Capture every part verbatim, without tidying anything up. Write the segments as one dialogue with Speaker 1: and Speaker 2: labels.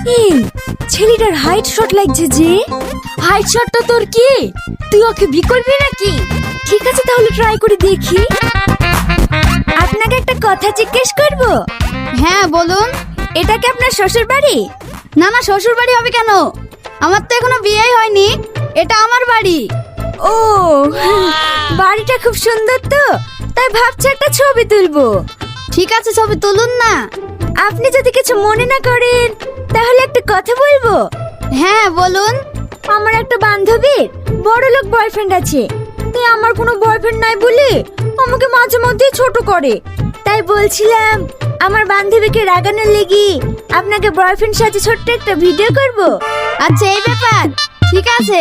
Speaker 1: এই ছেলেটার height shot লাগছে যে। হাইট শটটা তোর কি? তুই ওকে বি করবি নাকি? ঠিক আছে তাহলে ট্রাই করে দেখি। আপনাকে একটা কথা জিজ্ঞেস করব।
Speaker 2: হ্যাঁ বলুন।
Speaker 1: এটা কি আপনার শ্বশুর বাড়ি?
Speaker 2: না না, শ্বশুর বাড়ি হবে কেন? আমার তো এখনো বিয়েই হয়নি। এটা আমার বাড়ি।
Speaker 1: ও বাড়িটা খুব সুন্দর তো, তাই ভাবছি একটা ছবি তুলবো।
Speaker 2: ঠিক আছে, ছবি তুলুন না।
Speaker 1: আপনি যদি কিছু মনে না করেন তাহলে একটা কথা বলবো।
Speaker 2: হ্যাঁ বলুন।
Speaker 1: আমার একটা বান্ধবীর বড় লোক বয়ফ্রেন্ড আছে, তাই আমার কোনো বয়ফ্রেন্ড নাই বলে আমাকে মাঝে মধ্যে ছোট করে। তাই বলছিলাম আমার বান্ধবীকে রাগানোর লেগে আপনাকে বয়ফ্রেন্ড সাথে ছোট্ট একটা ভিডিও করব।
Speaker 2: আচ্ছা এই ব্যাপার, ঠিক আছে।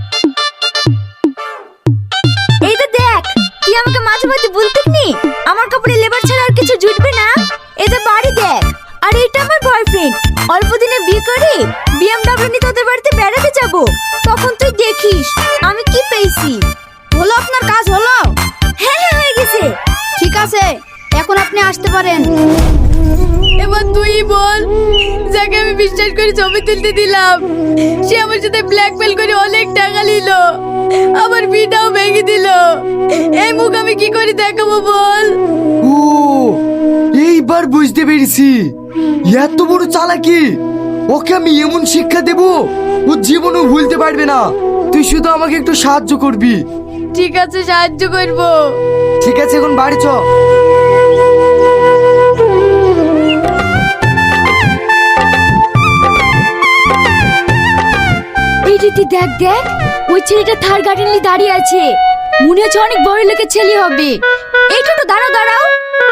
Speaker 1: এই তো দেখ, তুই আমাকে মাঝে মধ্যে বলতে নি আমার কাপড়ে লেবার ছাড়া আর কিছু জুটবে না। এই তো বাড়ি দেখ, আর এটা আমার বয়ফ্রেন্ড। অল্প দিনে বিয়ে করে বিএমডব্লিউ নিয়ে তোদের বাড়িতে বেড়াতে যাব, তখন তুই দেখিস আমি কি পেয়েছি।
Speaker 2: হলো আপনার কাজ হলো?
Speaker 1: হ্যাঁ হ্যাঁ হয়ে গেছে।
Speaker 2: ঠিক আছে, এখন আপনি আসতে পারেন।
Speaker 3: এবার তুই বল, যাকে আমি বিশ্বাস করে ছবি তুলতে দিলাম সে আমার সাথে ব্ল্যাকমেল করে অনেক টাকা নিল, আমার বিটাও ভেঙে দিল। এই মুখ আমি কি করে দেখাবো বল?
Speaker 4: ও এইবার বুঝতে পেরেছি, এত বড় চালাকি। ওকে আমি এমন শিক্ষা দেব ও জীবনও ভুলতে পারবে না। তুই শুধু আমাকে একটু সাহায্য করবি।
Speaker 3: ঠিক আছে, সাহায্য করব।
Speaker 4: ঠিক আছে, এখন বাড়ি চ।
Speaker 1: এই রীতি দেখ দেখ, ওই ছেলেটা থার গার্ডেন নিয়ে দাঁড়িয়ে আছে। মনে হচ্ছে অনেক বড় লোকের ছেলে হবে। এই টোটো দাঁড়াও দাঁড়াও।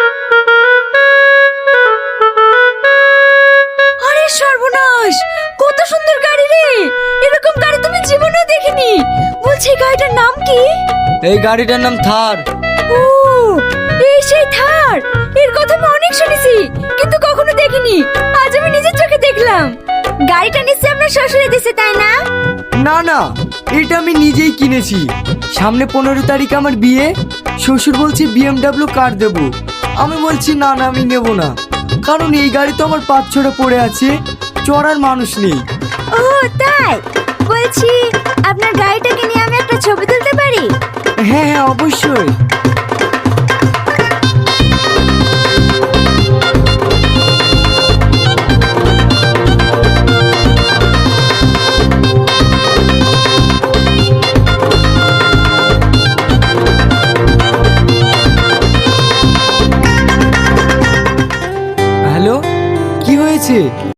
Speaker 1: আরে সর্বনাশ, কত সুন্দর গাড়ি রে! এরকম গাড়ি তুমি জীবনেও দেখিনি। বলছি এই গাড়িটার নাম কি?
Speaker 4: এই গাড়িটার নাম থার।
Speaker 1: ও এই সেই থার। এর কথা আমি অনেক শুনেছি কিন্তু কখনো দেখিনি। আজ আমি নিজের চোখে দেখলাম। গাড়িটা নিশ্চয়ই আপনার শ্বশুরে দিছে, তাই না?
Speaker 4: না না, এটা আমি নিজেই কিনেছি। সামনে পনেরো তারিখ আমার বিয়ে। শ্বশুর বলছে বিএমডব্লিউ কার দেবো। আমি বলছি না না, আমি নেব না, কারণ এই গাড়ি তো আমার পাঁচ ছড়া পড়ে আছে, চড়ার মানুষ নেই।
Speaker 1: ও তাই? বলছি আপনার গাড়িটাকে নিয়ে আমি একটা ছবি তুলতে পারি?
Speaker 4: হ্যাঁ হ্যাঁ অবশ্যই।